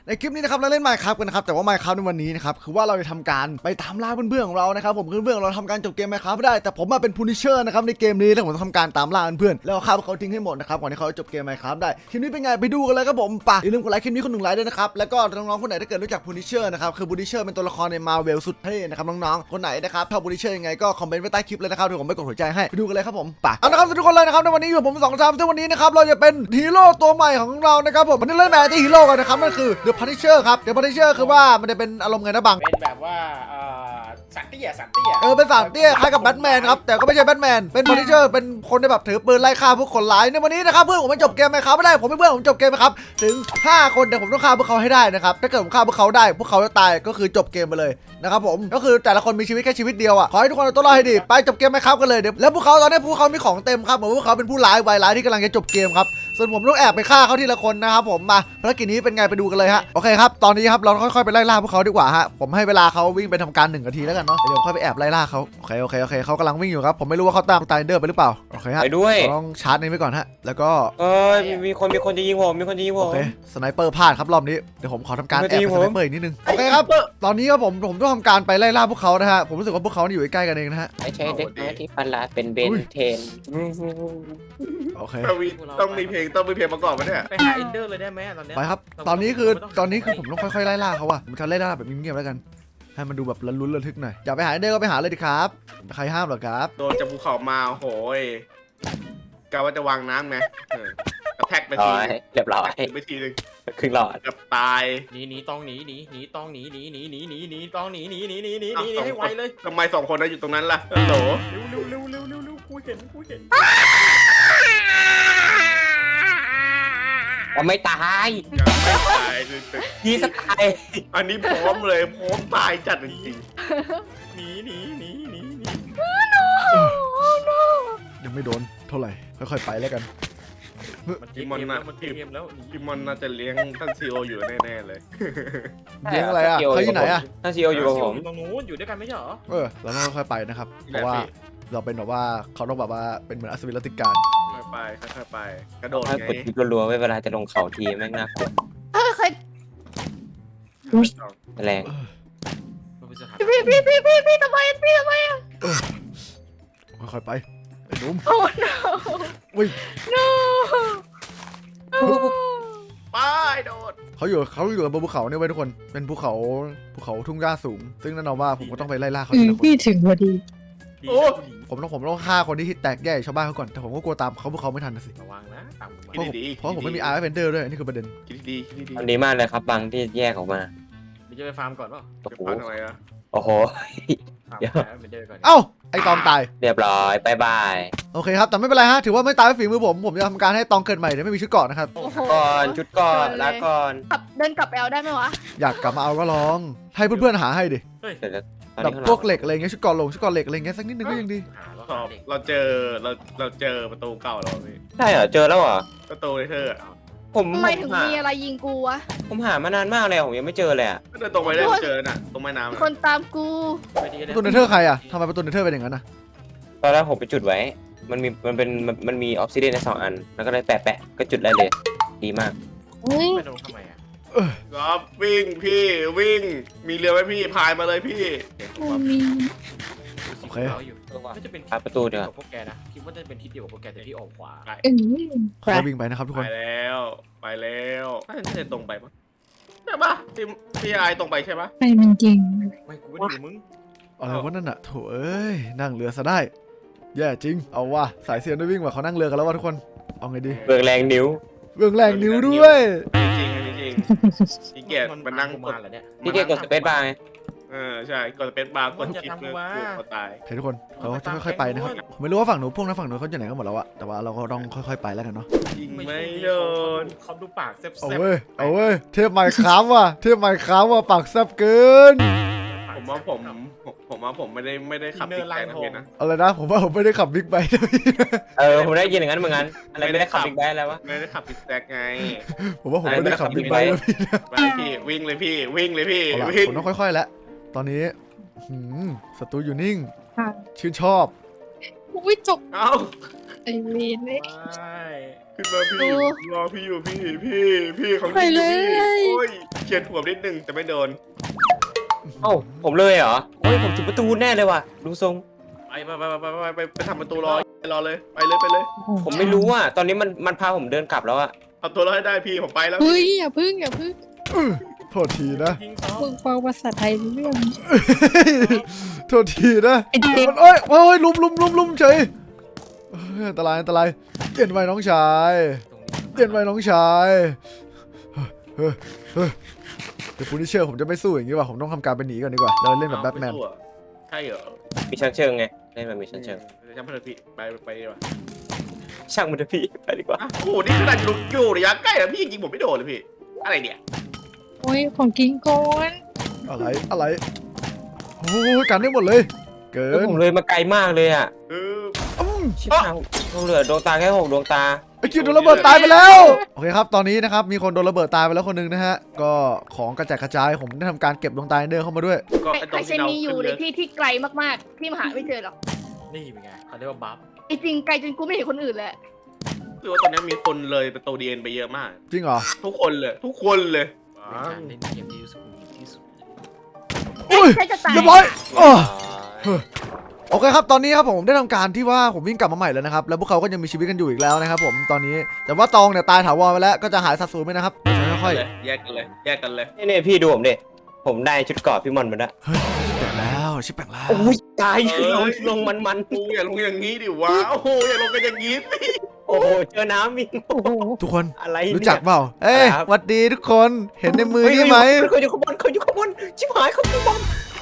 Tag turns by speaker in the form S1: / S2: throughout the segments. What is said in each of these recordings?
S1: ในคลิปนี้นะครับเราเล่น Minecraft กันนะครับแต่ว่า Minecraft ในวันนี้นะครับคือว่าเราจะทำการไปตามล่าเพื่อนๆของเรานะครับผมเพื่อนๆเราทำการจบเกม Minecraft ไม่ได้แต่ผมมาเป็น Punisher นะครับในเกมนี้แล้วผมจะทำการตามล่าเพื่อนๆแล้วฆ่าพวกเขาทิ้งให้หมดนะครับก่อนที่เขาจะจบเกม Minecraft ได้คลิปนี้เป็นไงไปดูกันเลยครับผมป่ะอย่าลืมกดไลค์คลิปนี้คนหนึ่งไลค์ด้วยนะครับแล้วก็น้องๆคนไหนถ้าเกิดรู้จัก Punisher นะครับคือ Punisher เป็นตัวละครใน Marvel สุดเท่นะครับน้องๆคนไหนนะครับชอบ Punisher ยังไงก็คอมเมนต์ไว้ใต้คลิปเลยนะครับเดี๋ยวผมไปกดหัวใจให้ไปดูกันเลยครับผมป่ะเอาละครับทุกคนเลยนะครับในวันนี้อยู่ผม2 ชามซึ่งวันนี้นะครับเราจะเป็นฮีโร่ตัวใหม่ของเรานะครับผมวันนี้เล่นแมนที่ฮีโร่กันนะครับนั่นคือ The Punisher ครับ The Punisher คือว่ามันจะเป็นอารมณ์ไงนะบัง
S2: เป็นแบบว่าสัตว์เตี้ย
S1: เป็นสารเตี้ยคล้ายกับแบทแมนครับแต่ก็ไม่ใช่แบทแมนเป็น Punisher เป็นคนที่แบบถือปืนไล่ฆ่าพวกคนร้ายในวันนี้นะครับเพื่อนผมไม่จบเกมไหมครับไม่ได้ผมไม่เพื่อนผมจบเกมไหมครับถึง5 คนแต่ผมต้องฆ่าพวกเขาให้ได้นะครับถ้าเกิดผมฆ่าพวกเขาได้พวกเขาจะตายก็คือจบเกมไปเลยนะครับผมก็คือแต่ละคนมีชีวิตแค่ชีวิตเดียวอ่ะขอให้ทุกคนเอาตัวรอดให้ดีไปจบเกมไหมครับกันเลยเดี๋ยวแล้วพวกเขาตอนนี้พวกเขามีของเต็มครับเหมือนพวกเขาเป็นผู้ร้ายวายร้ายที่กำลังจะจบเกมครับส่วนผมต้องแอบไปฆ่าเขาทีละคนนะครับผมมาภารกิจนี้เป็นไงไปดูกันเลยฮะโอเคครับตอนนี้ครับเราค่อยๆไปไล่ล่าพวกเขาดีกว่าฮะผมให้เวลาเขาวิ่งไปทำการ1 นาทีแล้วกันเนาะเดี๋ยวค่อยไปแอบไล่ล่าเขาโอเคเขากำลังวิ่งอยู่ครับผมไม่รู้ว่าเขาตามไตเดอร์ไปหรือเปล่าโอเคฮะ
S3: ไปด้วย
S1: เราต้องชาร์จนี้ไว้ก่อนฮะแล้วก็
S3: มีคนจะยิงผมมีคนจะยิงผ
S1: โอ
S3: ม
S1: เคสไนเปอร์พลาดครับรอบนี้เดี๋ยวผมขอทำการ
S3: ไม่
S1: แอบ
S3: ดี
S1: เป็น
S3: ผ
S1: ส
S3: ม
S1: ไนเปอร์อีกนิดนึงโอเคครับตอนนี้ครับผมต้องทำการไปไล่ล่าพวกเขานะฮะผมรู้สึกว่าพวกเขาอยู่ใกล้ๆกันเองนะฮะ
S3: ไม่ใช่เด็กน้อยที่ฟันลาเป็นเบนเทน
S1: โอเค
S4: ต้องมีเพลงประกอบไหมเนี่ย
S2: ไปหาเอนเดอร์เลยได้ไหมตอนเนี้ย
S1: ไปครับตอนนี้คือผมต้องค่อยๆไล่ล่าเขาอะผมจะไล่ล่าแบบเงียบๆแล้วกันให้มันดูแบบลุ้นระทึกหน่อยอยากไปหาเดอร์ก็ไปหาเลยดิครับใครห้ามเหรอครับ
S4: โดนจากภูเขามาโอ้โหยกะว่าจะวางน้ำไงกระแทกไปที
S3: เรียบร้อย
S4: ไปทีนึง
S3: ครึ่งหลอด
S4: กับตาย
S2: หนีต้องหนีต้องหนีต้องหนีให้ไวเลย
S4: ทำไม2 คนนั้นอยู่ตรงนั้นล่ะฮัลโหล
S2: เร็วกูเห็น
S3: ว่าไม่ตาย
S4: ยังไม่ตายเลย
S3: ยีสไตล์
S4: อันนี้พร้อมเลยพร้อมตายจัดจริง
S2: หนี
S1: ยังไม่โดนเท่าไหร่ค่อยๆไปแล้วกัน
S2: มันเกมแล้ว
S4: ๆพี่มอนน่าจะเลี้ยงท่านซีโออยู่แน่ๆเลย
S1: เลี้ยงอะไรอะเขาอยู่ไหนอะ
S3: ท่านซีโออยู่กับผม
S2: ตรงนู้นอยู่ด้วยกันไม่ใช่เหรอ
S1: เราต้องค่อยๆไปนะครับเพราะว่าเราเป็นแบบว่าเขาต้องแบบว่าเป็นเหมือนอัศวินรัตติการ
S4: ค่อยๆไปกระโดด
S3: ถ้า
S4: ไง
S3: กดคลิปรัวๆไว้เวลาจะลงเขาทีแม่งน่ากลัวแรง
S5: พี่ทำไมอ่ะ
S1: ค่อยๆไปไอ้หนุ่ม
S5: โอ้ no
S1: วิ่ง
S5: no
S4: ไปโดด
S1: เขาอยู่บนภูเขาเนี่ยไว้ยทุกคนเป็นภูเขาทุ่งหญ้าสูง ซึ่งแน่นอนว่าผมก็ต้องไปไล่ล่าเขาทีละคน
S5: พี่ถึงพอดี
S1: ผมต้องฆ่าคนที่แตกแยกชาวบ้านเขาก่อนแต่ผมก็กลัวตามเขาพวกเขาไม่ทันนะสิ
S2: ระวังนะตามมา
S1: เพราะผมไม่มีอาร์เฟนเดอร์ด้วยอันนี้คือประเด็น
S4: คิดดีๆ
S3: ทำดีมากเลยครับบางที่แยกออกมา
S2: เดี๋ยวจะไปฟาร์มก่อนป่ะ
S3: โอ้โห
S4: จะพักอะไรอะ
S3: โอ้โห
S2: ฟาร์มเอนเดอร์ก่อน
S1: เอ้าไอ้ตองตาย
S3: เรียบร้อยบายบาย
S1: โอเคครับแต่ไม่เป็นไรฮะถือว่าไม่ตายด้วยฝีมือผมจะทำการให้ตองเกิดใหม่แต่ไม่มีชุดเกราะนะครับ
S5: โอ้โห
S3: ก่อนชุดก่อนลาก่อน
S5: เดินกลับแอลได้ไหมวะ
S1: อยากกลับมาเอาก็ลองให้เพื่อนๆหาให้ดิ
S3: เสร็จแล้วตอน
S1: แบบ
S3: นี้
S1: พวกเหล็กอะไรเงี้ยชุดเกราะชุดเกราะเหล็กอะไรเงี้ยสักนิดนึงก็ยังดี
S2: หาแล้ว
S4: ตอบ
S2: เด็ก
S4: เราเจอประตูเก่าแล้วพี่
S3: ใช่เหรอเจอแล้วเหรอ
S4: ประตูเลเทอร์อะ
S3: ผม
S5: ทำไมถึงมีอะไรยิงกูวะ
S3: ผมหามานานมากเลยผมยังไม่เจอเลยอ่ะ
S4: ก็เดินตรงไปได้เจอน่ะตรงแม่น้ำ
S5: มี
S4: อะ
S5: คนตามกู
S2: ไม่ดี
S1: ประตูเนเธอร์ใครอะทำไมประตูเนเธอร์เป็นอย่างนั้นนะ
S3: ตอนแรกผมไปจุดไว้ มันมีออกซิเดนใน2 อัน แล้วก็เลยแปะก็จุดได้เลย ดีมาก
S5: อุ้ย
S2: ไม่โดนทำไมอ่ะ
S4: ครับวิ่งพี่วิ่งมีเรือไหมพี่พายมาเลยพี่
S5: มี
S1: โอเค
S2: น่าจะเป็น
S3: ประตูเดี๋ยว
S2: พวกแกนะคิดว่าจะเป็นทิศเดียวกับพวกแกแต่ที่ออกขวา
S1: ค่อยๆวิ่งไปนะครับทุกค
S4: ไป
S1: น
S4: แล้วน่าจะตรงไปปะใช่ปะพี่ไอตรงไปใช่ปะ
S5: ไปมันจริง
S2: ไม่กูไม่ได้อยู่มึง
S1: อะไรวะนั่นอะโถเอ้ยนั่งเรือซะได้แย่จริงเอาว่ะสายเซียนได้วิ่งว่ะเขานั่งเรือกันแล้วว่ะทุกคนเอาไงดี
S3: เบืองแรงนิ้ว
S1: เบื้องแรงนิ้วด้วย
S4: จริงพี่เกียรติมันนั่งกด
S2: มาแล้วเนี่ย
S3: พี่เกดกดสเปซบาร์ไง
S4: ใช่กดเป็นบาร์กดชิปเพื่อกูตาย
S1: โอเคทุกคนเขาจะค่อยๆไปนะครับผมไม่รู้ว่าฝั่งหนูพวกนั้นฝั่งหนูเขาอยู่ไหนกันหมดแล้วอะแต่ว่าเราก็ต้องค่อยๆไปแล้วกันเนาะ
S4: ยิงไม่โดน
S2: เขาดูปากแซ่บ
S1: เอาเว้ยเทพไมค์ครับว่ะเทพไมค์ครับว่ะปากแซ่บเกิน
S4: ผมว่าผมไม่ได้ขับติ๊กแกนะพี่นะ
S1: อะไรนะผมว่าผมไม่ได้ขับบิ๊กไบค์นะพี่
S3: ผมได้ยินอย่างนั้นเหมือนกันอะไรไม่ได้ขับบิ๊กแบนแล้ววะ
S4: ไม่ได้ขับติ๊กแกไง
S1: ผมว่าผมไม่ได้ขับบิ๊กไบค์นะพี่นะ
S4: ไปพี่วิ่งเลยพี่วิ่งเลยพี่
S1: เอาล่ะ
S4: วิ่ง
S1: ผมต้องค่อยๆแล้วตอนนี้ศัตรูอยู่นิ่ง
S5: ค่ะ
S1: ชื่นชอบ
S5: อุ้ยจบ
S4: เอ้า
S5: ไอเวนเลย
S2: ไม่
S4: ขึ้นมาพี่
S5: โอ้
S4: รอพี่อยู่พี่เขา
S5: ไปเลย
S4: โอ้ยเฉียดหัวนิดนึงแต่ไม่โดน
S3: เอ้าผมเลยเหรอโอ้ยผมถึงประตูแน่เลยว่ะดูทรง
S4: ไปทำประตูรอเลยไปเลย
S3: ผมไม่รู้อ่ะตอนนี้มันพาผมเดินกลับแล้วอ่ะ
S4: เอาตัวรอดให้ได้พี่ผมไปแล้ว
S5: เฮ้ยอย่าพึ่ง
S1: โทษทีนะ
S2: ยิงซ้อม
S5: มึงฟังภาษาไทยรู้เรื่อง
S1: โทษทีนะ
S5: ไอเด็ก
S1: มันโอ้ยลุมเฉยเอ้ยอันตรายเปลี่ยนไว้น้องชายเปลี่ยนไว้น้องชายเดี๋ยวพูนิเชอร์ผมจะไม่สู้อย่างนี้ว่ะผมต้องทำการไปหนีก่อนดีกว่าเราเล่นแบบแบทแมน
S4: ใช่เหรอ
S3: มีชั้นเชิงไงเล่นมันมีชั้นเชิง
S4: จำเพื่อนพี่ไปดีกว่า
S3: ช่างมันเถอะพี่ไปดีกว่า
S4: โอ้โหนี่ขนาดอยู่ระยะใกล้แล้วพี่ยิงผมไม่โดนเลยพี่อะไรเนี่ย
S5: โอ้ยของกินก่อน
S1: อะไรโอ้ยกันได้หมดเลย เกิ
S3: แล้ว
S1: น
S3: ผมเลยมาไกลมากเลยอ่ะ
S1: อืม
S3: ชิบหายผมเหลือดวงตาแค่6 ดวงตา
S1: ไอ้คิวโดนระเบิดตายไปแล้วโอเคครับตอนนี้นะครับมีคนโดนระเบิดตายไปแล้วคนหนึงนะฮะก็ของกระจัดกระจายผมได้ทำการเก็บดวงตาเดินเข้ามาด้วย
S4: ก็
S6: ไอเซนมีอยู่ในที่ที่ไกลมากๆ ที่มหาไม่เจอหรอก
S2: นี่เป็นไงเขาเรียกว่าบัฟ
S6: ไอจริงไกลจนกูไม่เห็นคนอื่นเลย
S4: คือว่าตอนนี้มีคนเลยประตูดีเอ็นไปเยอะมาก
S1: จริงเหรอ
S4: ทุกคนเลย
S2: เป็นการเล่นเกมที่สุดที่สุด
S1: อุ้ย
S6: ใช่จะตาย
S1: เรียบร้อยอ้อ โอเคครับตอนนี้ครับผมได้ทำการที่ว่าผมวิ่งกลับมาใหม่แล้วนะครับแล้วพวกเขาก็ยังมีชีวิตกันอยู่อีกแล้วนะครับผมตอนนี้แต่ว่าตองเนี่ยตายถาวรไปแล้วก็จะหายสัดส่วนไปนะครับค่อย
S4: แยกกันเลย
S3: นี่พี่ดูผมดิผมได้ชุดเกราะพี่มอนมาแล้ว
S1: ๆแปลงแล้วชิบแปลงแล้ว
S3: โอ้ยตายลงมัน
S4: กูอย่าลงอย่างนี้ดิวะโอ้โหอย่าลงกันอย่างนี้สิ
S3: โอ้โหเจอน้ำอีก
S5: โอ้โห
S1: ทุกคน
S3: อะไรเนี่ย
S1: รู้จักเปล่าเอ้ย
S3: ครับ
S1: หวัดดีทุกคนเห็นในมือนี่ไหม
S3: เขาอยู่ข้างบนชิบหายเขาอยู่บอม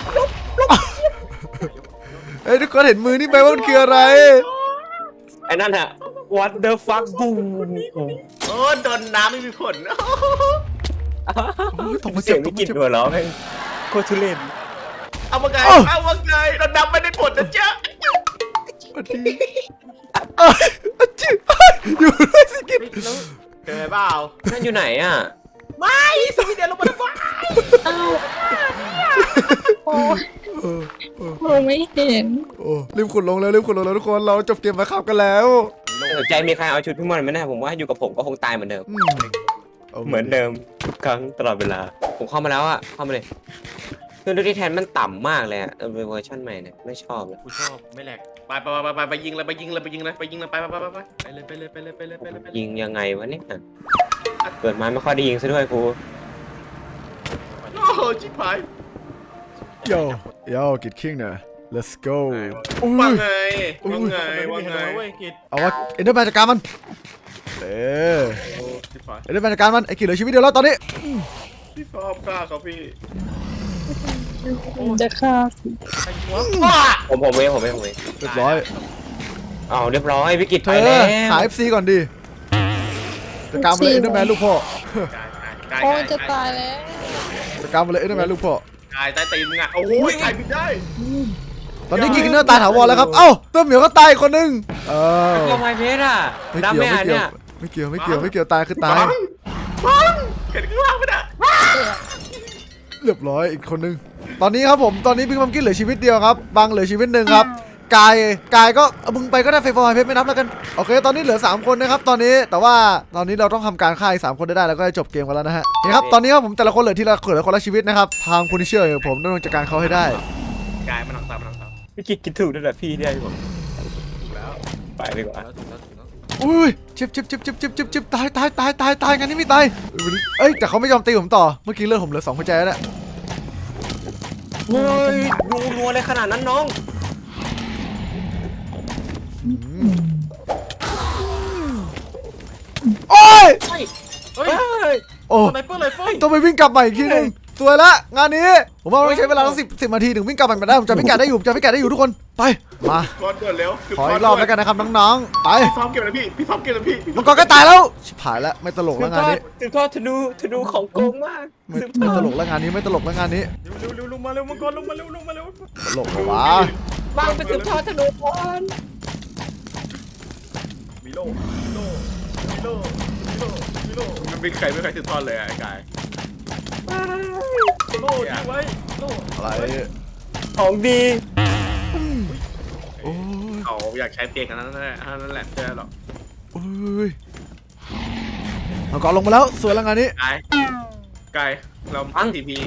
S1: เอ้ยทุกคนเห็นมือนี่ไหมว่ามันคืออะไร
S3: ไอ้นั่นฮะ what the fuck บูม
S4: โอ้โดนน้ำไม่มีผล
S1: ตกมา
S3: เสี
S1: เจ็
S3: ย
S1: บ
S3: ง
S1: ต
S3: วิ
S1: ก
S3: กฤ
S1: มา
S3: ต
S1: เจ็บ
S3: หัวเราะแม่งโคตรทุเรศ
S4: เอามาไงโดนน้ำไม่ได้ผลนะจ๊ะ
S1: หวัดดีจิ๊บอยู่ด้วยสิกิน
S2: เจอเปล่า
S3: นั่นอยู่ไหนอ่ะ
S2: สวีเดนลงมาแล้ว
S5: อ้าวโอ้ยมองไม่เห็น
S1: โอ้รีบขุดลงแล้วทุกคนเราจบเกมมาขับกันแล้ว
S3: สนใจมีใครเอาชุดพี่มอนไหมนะผมว่าอยู่กับผมก็คงตายเหมือนเดิม เหมือนเดิมทุกครั้งตลอดเวลา ผมเข้ามาแล้วอ่ะเข้ามาเลยคือดูที่แทนมันต่ำมากเลยอ่ะเป็นเวอร์ชันใหม่เนี่ยไม่ชอบเลย
S2: กูชอบไม่แหลก
S4: ไปยิงเลยไป
S3: ยิงยังไงวะเนี่ยเกิดมาไม่ค่อยได้ยิงซะด้วยครู
S4: โอ้โหชิบหาย
S1: โย่กิดคิงเนี่ย let's go
S4: ว่าไง
S2: เว้ยกิด
S1: เอาว่าเอ็นเดอร์แมนจัดการมัน
S4: ชิบหาย
S1: เอ็นเดอร์แมนจัดการมันไอ้กิดเหลือชีวิตเดียวแล้วตอนนี้
S4: พี่ฟอมกล้าครับพี่
S5: จะฆ่า
S2: ไอ้หัว
S3: ผมเอง
S1: เรียบร้อย
S3: เอาเรียบร้อยวิกฤต
S1: เธ
S3: ไป
S1: อ
S3: แล้ว
S1: หา FC ก่อนดิจัดการมาเลยเอ็นเดอร์แมนลูกพ่อ
S5: โอ้ยจะตายแล้ว
S1: จัดการมาเลยเอ็นเดอร์แมนลูกพ่อก
S4: ายใต้ตีนมึงอ่ะโอ้โหใครบินได้
S1: ตอนนี้กินเนอร์ตายถาวรแล้วครับเอ้าตัวเหมียวก็ตายอีกคนนึง
S3: ตัวไมเพชรอ่ะ
S1: ไม่
S3: ดำ
S1: เกี่ยว
S3: ไม่อ่ะเนี่ย
S1: ไม่เกี่ยวตายคือตาย
S4: บังเห็นข้างล่างไหมน่ะ
S1: เรียบร้อยอีกคนนึงตอนนี้ครับผมตอนนี้พิงพัมกินเหลือชีวิตเดียวครับบังเหลือชีวิตหนึ่งครับกายก็มึงไปก็ได้ไฟฟอร์เพชรไม่นับแล้วกันโอเคตอนนี้เหลือ3คนนะครับตอนนี้แต่ว่าตอนนี้เราต้องทำการฆ่าอีก3คนได้แล้วก็ได้จบเกมกันแล้วนะฮะนี่ครับตอนนี้ครับผมแต่ละคนเหลือคนละชีวิตนะครับทางพูนิเชอร์ผมต้องจัดการเขาให้ได้
S4: กายมันหนังตา
S3: วิกฤตกินถูกนั่นแหละพี่ได้ผมไปดีกว่า
S2: แล้วถึงแล้ว
S1: อุ้ยเจ็บตายงั้นนี่ไม่ตายเอ้ยแต่เขาไม่ยอมตีผมต่อเมื่อกี้เลือดผมเหลือ2หัวใจแล้วเนี่ย
S3: เฮ้ยรัวเลยขนาดนั้นน้อง
S1: โอ้ย
S2: เฮ้ย
S1: โอ้
S2: สไนเปอร์เลยเฟ้ย
S1: ต้องไปวิ่งกลับใหม่อีกทีนึงสวยละงานนี้ผมว่าต้องใช้เวลาต้อง10 นาทีถึงวิ่งกลับใหม่มาได้ผมจะพิกัดได้อยู่ทุกคนไปมา
S4: ก้อนด่วนเร็ว
S1: ขออีกรอบแล้วกันนะครับน้องๆไป
S4: พี่ฟอมเก็บเลยพี่ฟอมเก็บเลยพี่
S1: มังกรก็ตายแล้วชิบหายแล้วไม่ตลกแล้วงานนี้
S3: สืบทอดธนูของโกงมาก
S1: ไม่ตลกแล้วงานนี้ไม่ตลกแล้วงานนี้
S2: เร็วลงมาเร็วมังกรลงมาเร็ว
S1: ตลกเหรอวะ
S3: บ้างไปสืบทอดธนูก่อน
S2: มีโล่
S4: มันไม่ใครสืบทอดเลยไอ้กาย
S2: โล่ทิ้งไว้โล่
S1: อะไร
S3: ของดี
S1: โอ้ย
S4: เขาอยากใช้เตียงกันนั่นแหละนั่นแหละเจอหรอก
S1: โอ้ยเอาก่อนลงมาแล้วสวยแล้วงานนี้
S4: ไกลเราทีพี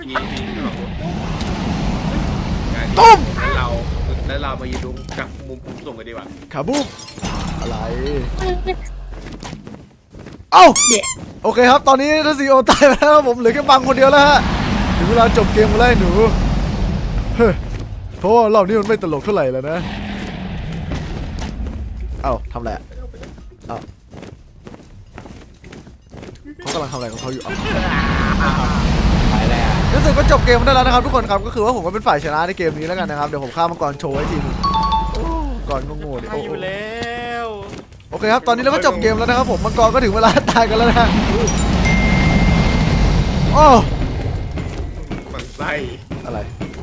S1: ตุ้ม
S4: แล้วเรามายืนดูจากมุมสูงกันดีกว่า
S1: ขาบูมอะไรเอ้าโอเคครับตอนนี้ทัศนีโอตายไปแล้วครับผมเหลือแค่บังคนเดียวแล้วฮะถึงเวลาจบเกมมาแล้วหนูเฮ้ยเพราะว่ารอบนี้มันไม่ตลกเท่าไหร่แล้วนะเอ้าทำอะไรเอ้าเขากำลังทำอะไรของเขาอยู่
S3: ไปแล้ว
S1: รู้สึกว่าจบเกมได้แล้วนะครับทุกคนครับก็คือว่าผมก็เป็นฝ่ายชนะในเกมนี้แล้วกันนะครับเดี๋ยวผมฆ่ามังกรโชว์ไว้ทีนึงก่อนโง่ๆดิ
S2: ไปอยู่แล้ว
S1: โอเคครับตอนนี้เราก็จบเกมแล้วนะครับผมมังกรก็ถึงเวลาตายกันแล้วนะโอ้
S4: มันไส้
S1: อะไร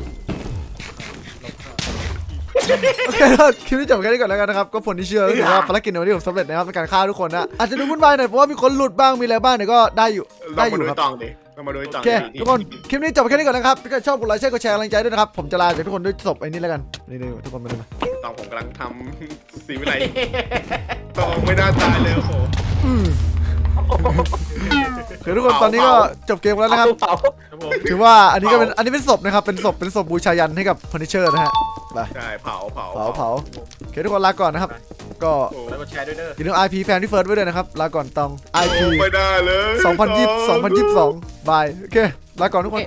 S1: โอเคครับคลิปนี้จบแค่นี้ก่อนแล้วกันนะครับก็ผลที่เชื่อก็คือว่าภารกิจในวันนี้ผมสำเร็จนะครับในการฆ่าทุกคนนะอาจจะดูวุ่นวายหน่อยเพราะว่ามีคนหลุดบ้างมีอะไรบ้างเนี่ยก็ได้อยู่
S4: เรามาดู
S1: ครับ
S4: ตองดิเรามาดูตอง
S1: โอเคทุกคนคลิปนี้จบแค่นี้ก่อนนะครับถ้าเกิดชอบกดไลค์กดแชร์กำลังใจด้วยนะครับผมจะลาจากทุกคนด้วยศพไอ้นี่แล้วกันนี่ทุกคนมาดูมา
S4: ตองผมกำลังทำสีวิไลตองไม่น่าตายเลยโอ้โห
S1: คือทุกคนตอนนี้ก็จบเกมแล้วนะครับ
S3: เผา
S4: ครับผม
S1: ถือว่าอันนี้ก็เป็นเป็นศพนะครับเป็นศพบูชายันให้กับเฟอร์นิเจอร์นะฮะไป
S4: ใช่เผา
S1: โอเคทุกคนลาก่อนนะครับก็
S2: แล้วก็แชร์ด้วยเด้อ
S1: อย่าลืม IP แฟนที่เฟิร์สไว้ด้วยนะครับลาก่อนตอง IP
S4: ไม่ได้เลย
S1: 2022 บายโอเคลาก่อนทุกคน